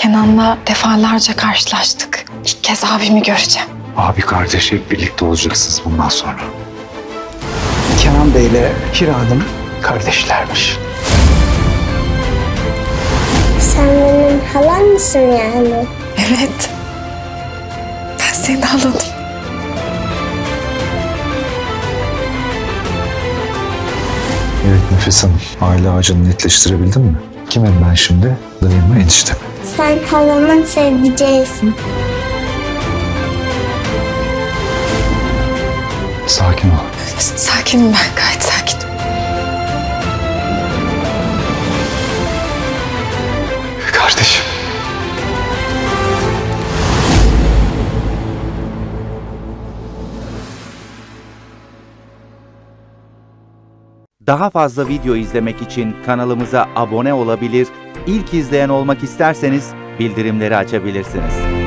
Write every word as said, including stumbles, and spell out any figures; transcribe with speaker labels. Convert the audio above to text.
Speaker 1: Kenan'la defalarca karşılaştık. İlk kez abimi göreceğim.
Speaker 2: Abi kardeş hep birlikte olacaksınız bundan sonra.
Speaker 3: Kenan Bey ile Hira Hanım kardeşlermiş.
Speaker 4: Sen benim halam mısın yani?
Speaker 1: Evet. Ben senin halanım.
Speaker 2: Evet Nefes Hanım, aile ağacını netleştirebildin mi? Kimim ben şimdi? Dayım mı, eniştem mi?
Speaker 4: Sen halamın sevdiceğisin.
Speaker 2: Sakin ol.
Speaker 1: Sakinim ben, gayet sakinim.
Speaker 2: Kardeşim.
Speaker 5: Daha fazla video izlemek için kanalımıza abone olabilir, ilk izleyen olmak isterseniz bildirimleri açabilirsiniz.